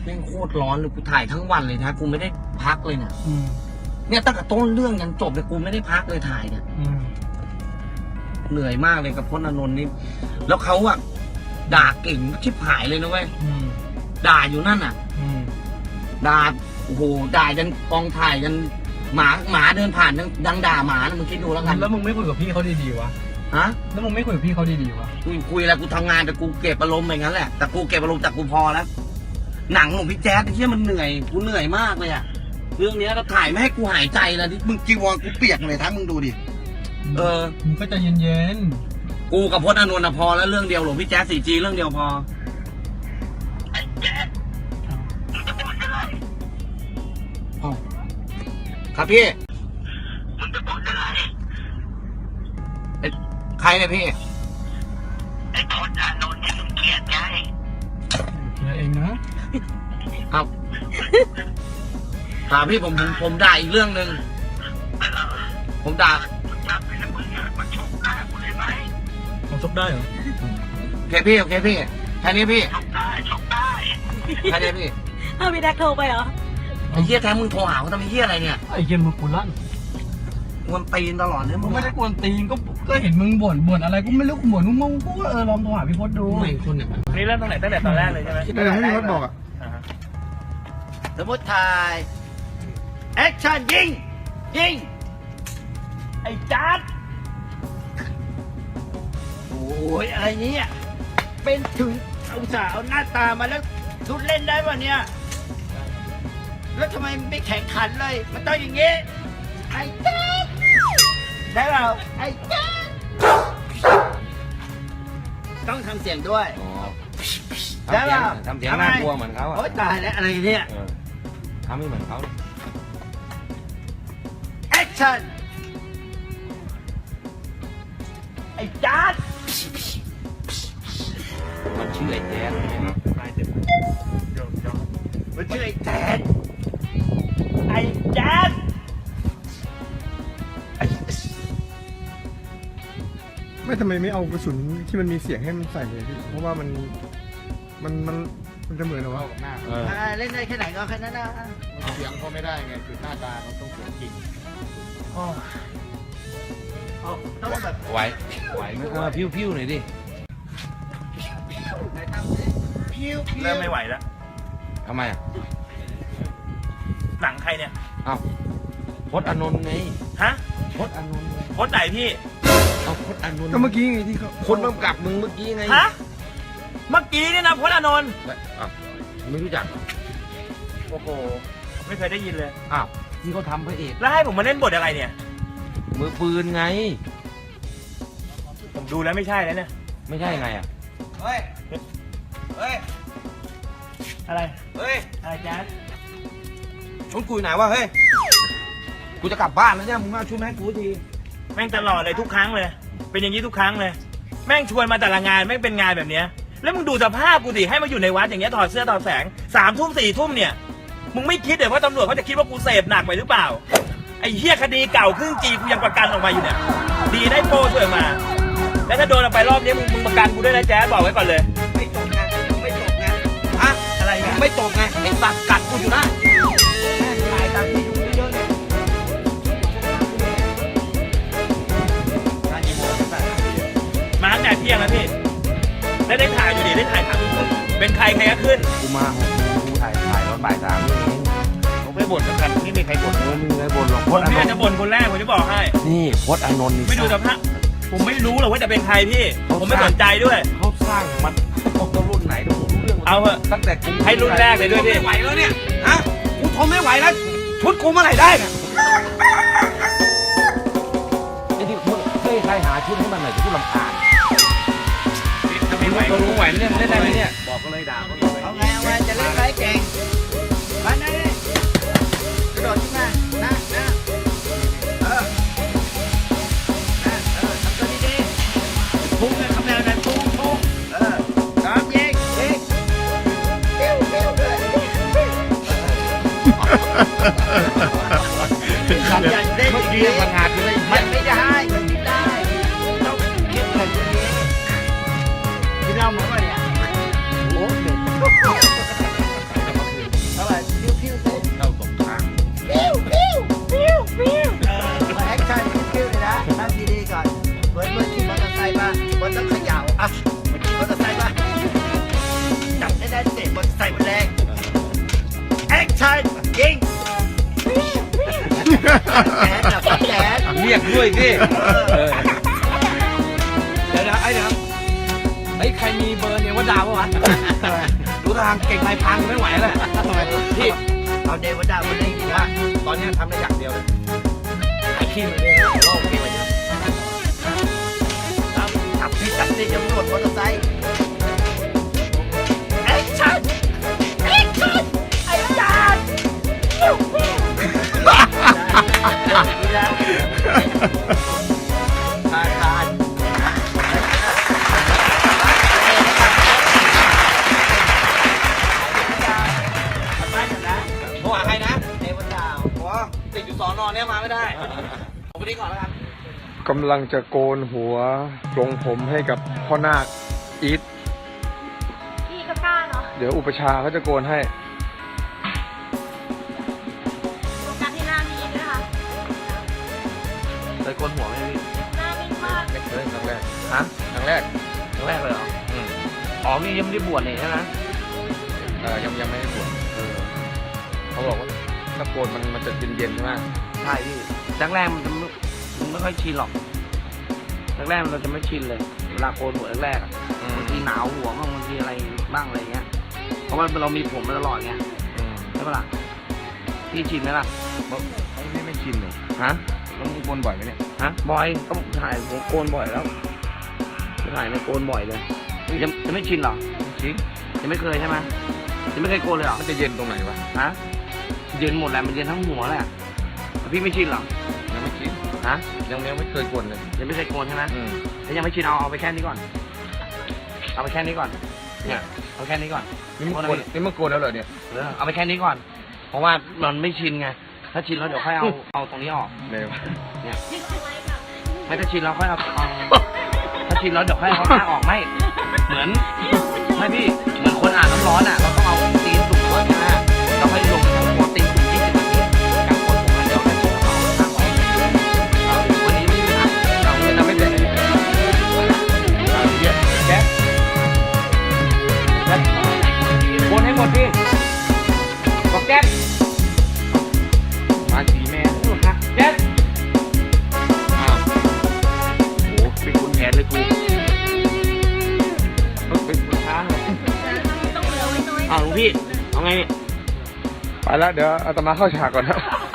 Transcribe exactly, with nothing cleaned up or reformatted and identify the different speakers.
Speaker 1: ม่งโคตรร้อนเลยกูถ่ายทั้งวันเลยนะกูไม่ได้พักเลยเนี่ยเนี่ยตั้งแต่ต้นเรื่องยันจบเลยกูไม่ได้พักเลยถ่ายเนี่ยเหนื่อยมากเลยกับพจน์อานนท์นี่แล้วเขาอะด่าเก่งชิบหายเลยนะเว้ยด่าอยู่นั่นอะด่าโอ้โหด่ายันกองถ่ายยันหมาหมาเดินผ่านยังดังด่าหมานะมึงคิดดูแล้วกัน
Speaker 2: แล้วมึงไม่คุยกับพี่เขาดีๆวะ
Speaker 1: ฮะ
Speaker 2: แล้วมึงไม่คุยกับพี่เขาดีๆวะ
Speaker 1: กูคุยแล้วกูทำงานแต่กูเก็บอารมณ์อย่างนั้นแหละแต่กูเก็บอารมณ์แต่กูพอแล้วหนังของพี่แจ๊ดไอ้เชี่ยมันเหนื่อยกูเหนื่อยมากเลยอะเรื่องนี้เราถ่ายไม่ให้กูหายใจนะที่มึงจีวรกูเปียกเลยทั้งมึงดูดิเออ
Speaker 2: มึงก็ใจเย็น
Speaker 1: ๆกูกับพจน์อานนท์พอแล้วเรื่องเดียวหลวงพี่แจ๊ด สี่จี เรื่องเดียวพอไอ้แจ๊ดจะบอกอะไรอ๋อครับพี่มึงจะบอกอะไรใครเนี่ยพี่ไอ้พจน์อานนท์ที่มึงเกลียดไง
Speaker 2: เกลียดเองนะครับ
Speaker 1: ถามพี่ผมผมผมด่าอีกเรื่องหนึ่งผมด่า
Speaker 2: ผมชกได้เหรอ
Speaker 1: โอเคพี่โอเคพี่แค่นี้พี่ชกได้ชกได้แค่นี้พี่
Speaker 3: เอาพี่แดกโทรไปเหรอ
Speaker 1: ไอ้เหี้ยแท้มึงโทรหาเขาทำไมเหี้ยอะไรเนี่ย
Speaker 2: ไอ้เหี้ยมึงกูลั่น
Speaker 1: กวนตีนตลอดเลย
Speaker 2: มึงไม่ได้กวนตีนก็ก็เห็นมึงบ่นบ่นอะไรก็ไม่รู้กูบ่นมึงมึงกูก็เออลองโทรหาพี่พจน์ดู
Speaker 1: ไม่คนเนี่ย
Speaker 4: นี่เริ่มตรงไหนตั้งแต่ตอนแรกเลยใช่ไหม
Speaker 2: ตั้งแต่ที่พี่พจน์บอกอ่ะ
Speaker 1: สมมติถ่ายแอคชั่นยิงยิงไอ้จัดโอ้ยอะไรเนี้ยเป็นถึงเอาสาเอาหน้าตามาแล้วทุดเล่นได้ป่ะเนี่ยแล้วทำไมไม่แข่งขันเลยมันต้องอย่างงี้ไอ้จัดได้เปล่าไอ้จัดต้องทำเสียงด้วยได้เปล่า
Speaker 4: ทำเสียงน่ากลัวเหมือนเขาอ่ะ
Speaker 1: โอ๊ยตายแล้วอะไรเนี่ย
Speaker 4: ทำไม่เหมือนเขา
Speaker 1: แอคชั่นไอ้จัด
Speaker 4: มันชื่อไอ้แจ๊ด
Speaker 1: มันชื่อไอ้แจ๊ดไอ้แจ๊ด
Speaker 2: ไม่ทำไมไม่เอากระสุนที่มันมีเสียงให้มันใส่เลยพี่เพราะว่ามันมันมันมันจะเหมือนหรอวะ
Speaker 1: เล่นได้แค่ไหนก็แค่นั้นนะ
Speaker 2: เสียงเขาไม่ได้ไงคือหน้าตาเขาต้องเสียงจริง
Speaker 1: ต้องแบบ
Speaker 4: ไหวไหวไหมเออพิ้วพิ้วหน่อยดิ
Speaker 1: เริ่
Speaker 4: มไม่ไหวแล้วทำไมอ่ะ
Speaker 1: หนังใครเนี่ย
Speaker 4: อ้าวพจน์อานนท์ไง
Speaker 1: ฮะ
Speaker 4: พจน์อานนท์
Speaker 1: พจน์ไหนพี่
Speaker 4: เอาพจน์อานนท์
Speaker 2: ก็เมื่อกี้ไงที่เขา
Speaker 4: คนกำกับมึงเมื่อกี้ไง
Speaker 1: ฮะเมื่อกี้นี่นะพจน์อานนท์
Speaker 4: อ้าวไม่รู้จัก
Speaker 1: โอ้โหไม่เคยได้ยินเลย
Speaker 4: อ้าวที่เขาทำพระเอก
Speaker 1: แล้วให้ผมมาเล่นบทอะไรเนี่ย
Speaker 4: มือปืนไง
Speaker 1: ผมดูแล้วไม่ใช่แล้วเนี่ย
Speaker 4: ไม่ใช่ไงอ่ะ
Speaker 1: เฮ้ยเฮ้ยอะไร
Speaker 4: เฮ้ย
Speaker 1: อะไรแจ๊ด
Speaker 4: ชวนกูไหนวะเฮ้ยกูจะกลับบ้านแล้วเนี่ยมึงมาช่วยแม่กูที
Speaker 1: แม่งตลอดเลยทุกครั้งเลยเป็นอย่างนี้ทุกครั้งเลยแม่งชวนมาแต่ละงานแม่งเป็นงานแบบเนี้ยแล้วมึงดูสภาพกูดิให้มาอยู่ในวัดอย่างเงี้ยถอดเสื้อถอดแสงสามทุ่มสี่ทุ่มเนี่ยมึงไม่คิดเลยว่าตำรวจเขาจะคิดว่ากูเสพหนักไปหรือเปล่าไอ้เหี้ยคดีเก่าครึ่งจีกูยังประกันออกมาอยู่เนี่ยดีได้โปรช่วยมาแล้วถ้าโดนออกไปรอบนี้มึงมึงประกันกูด้วยนะแจ๊ดบอกไว้ก่อนเลย
Speaker 4: ไม่ตกไงไม่ตกไง
Speaker 1: อะอะไรไง
Speaker 4: ไม่ตกไงไอ้สัตว์กัดกูอยู่นะแม่งถ่ายตามที่ดูเยอะๆเลย
Speaker 1: มาตั้งแต่เที่ยงแล้วพี่แล้วได้ถ่ายอยู่ดิได้ถ่ายถามเป็นใครใครก็ขึ้น
Speaker 4: กูมากูถ่ายถ่ายตอนบ่ายสามนี่เอง
Speaker 1: ผมไม่บ่นกันไม่มีใครบ่น
Speaker 4: ไม่มีใครบ่นหรอกพจน์อานนท์
Speaker 1: จะบ่นคนแรกผมจะบอกให้
Speaker 4: นี่พจน์อานนท์
Speaker 1: ไม่ดูสภาพผมไม่รู้หรอกว่าจะเป็นใครพี่ผมไม่สนใจด้วย
Speaker 4: เขาสร้างมันต้องรุ่นไหนต้องรู้เรื่อง
Speaker 1: เอาเถอะ
Speaker 4: ตั้งแต่กู
Speaker 1: ให้รุ่นแรกเลยด้วยพี่
Speaker 4: ไม่ไหวแล้วเนี่ยฮะกูทนไม่ไหวแล้วชุดกูเมื่อไหร่ได้เนี่ยไอ้ที่มึงเฮ้ยใครหาชุดให้มันหน่อยจะพูดลำคาญมึงรู้ไหวเนี่ยเล่นได้ไหมเนี่ยบอกก็เลยด่าเขาเลย
Speaker 1: เอาไงเอาไงจะเล่นไรเก่งมาหน้ากระโดดขึ้นมาหน้าหน้าเออเออเออทำตัวดีๆพุ่งเลยทำแนวนั้นพุ่งพุ่งเออพร้อมยิงยิงปิ้วปิ้วเลยทำอย่างเด็ก
Speaker 4: เมื่อกี้มันหาคือได้
Speaker 1: มันไม่ได้มันไม่ได้ต้องเข้มแข็งกว่านี้กินเหล้ามาป่ะเนี่ยโอ้เด็กแจ๊ดแบบแจ๊ด
Speaker 4: เรียกด้วยสิเออเดี๋ยวนะไอ้เดี๋ยวไอ้ยใครมีเบอร์เนี่ยว่าดาวปะวะดูทางเก่งลายพังไม่ไหวแล้วพี่เอาเดวดาวมาเล่นดีว่าตอนนี้ทำได้อย่างเดียวเลยขายขี้มันเลยโลกเก่งไปเยอะจับพี่จับนี่จะรวดมอเตอร์ไซค์แอคชั่นแอคชั่นไอ้จานทานทานโทรหาใครนะเดวดาวโอ้ติดอยู่สอนอนเนี่ยมาไม่ได้ผมไปดีก่อนแล้วกัน
Speaker 2: กำลังจะโกนหัวปลงผมให้กับพ่อนาคอีท
Speaker 3: พี่ก็กล้าเนาะ
Speaker 2: เดี๋ยวอุปชาเขาจะโกนให้
Speaker 3: โฟกัสที่หน้าพี่ด้วยค่ะ
Speaker 4: เคยโกนหัวไหมพี่
Speaker 3: หน้านิ่งมาก
Speaker 2: ไม่เคยครั้งแรก
Speaker 4: ฮะ
Speaker 2: ครั้งแรก
Speaker 4: ครั้งแรกเลยเหรออืมอ๋อพี่ยังไม่ได้บวชนี่ใช่ไหม
Speaker 2: เออยังยังไม่ได้บวชเออเขาบอกว่าถ้าโกนมันมันจะเย็นๆใช่ไหม
Speaker 4: ใช่พี่แรกๆมันจะไม่มันไม่ค่อยชินหรอกแรกๆเราจะไม่ชินเลยเวลาโกนหัวแรกๆอะบางทีหนาวหัวบ้างบางทีอะไรบ้างอะไรเงี้ยเพราะว่าเรามีผมมาตลอดไง
Speaker 2: อืม
Speaker 4: ใช่ปะล่ะพี่ชินไหมล่ะ
Speaker 2: เขาไม่ไม่ชินเลย
Speaker 4: ฮะ
Speaker 2: แล้วมึงโกนบ่อยไหมเนี่ย
Speaker 4: ฮะบ่อยก็ถ่ายผมโกนบ่อยแล้วถ่ายในโกนบ่อยเลยยังจะไม่ชินหรอ
Speaker 2: จริง
Speaker 4: ยังไม่เคยใช่ไหมยังไม่เคยโกนเลยเหรอ
Speaker 2: มันจะเย็นตรงไหนวะ
Speaker 4: ฮะเย็นหมดแหละมันเย็นทั้งหัวแหละแต่พี่ไม่ชินหรอ
Speaker 2: ยังไม่ชิน
Speaker 4: ฮะ
Speaker 2: ยังยังไม่เคยโกนเลย
Speaker 4: ยังไม่เคยโกนใช่ไหม
Speaker 2: อืม
Speaker 4: ถ้ายังไม่ชินเอาเอาไปแค่นี้ก่อน เอาไปแค่นี้ก่อน เนี่ยเอาแค่นี้ก่อน
Speaker 2: นี่มึงโกนนี่มึงโกนแล้วเหรอเนี่ย
Speaker 4: เออเอาไปแค่นี้ก่อน เพราะว่ามันไม่ชินไง ถ้าชินแล้วเดี๋ยวค่อยเอาเอาตรงนี้ออก
Speaker 2: เลยวะ
Speaker 4: เนี่ยไม่ถ้าชินแล้วค่อยเอาเอาถ้าชินแล้วเดี๋ยวค่อยเอาผ้าออกไม่ เหมือนไม่พี่ เหมือนคนอาบน้ำร้อนอ่ะ เราต้องเอาตีนสุกก่อนใช่ไหมเราค่อยลงทั้งหัวตีนสุกยี่สิบนาทีกับคนผมอันเดียวแล้วชินแล้วเอาผ้าออกเอาวันนี้ไม่มีปัญหาเราจะทำไม่เป็นเลยเอาเยอะแจ๊คแล้วบนให้หมดพี่บอกแจ๊คมาสีแม่ลูกนะแจ๊คอ้าวโอ้เป็นคุณแผนเลยกูเออเป็นคุณช้างเลย
Speaker 3: ต้องเหลือไว้น้อย
Speaker 4: อ้าวหลวงพี่เอาไง
Speaker 2: ไปแล้วเดี๋ยวอาตมาเข้าฉากก่อนนะ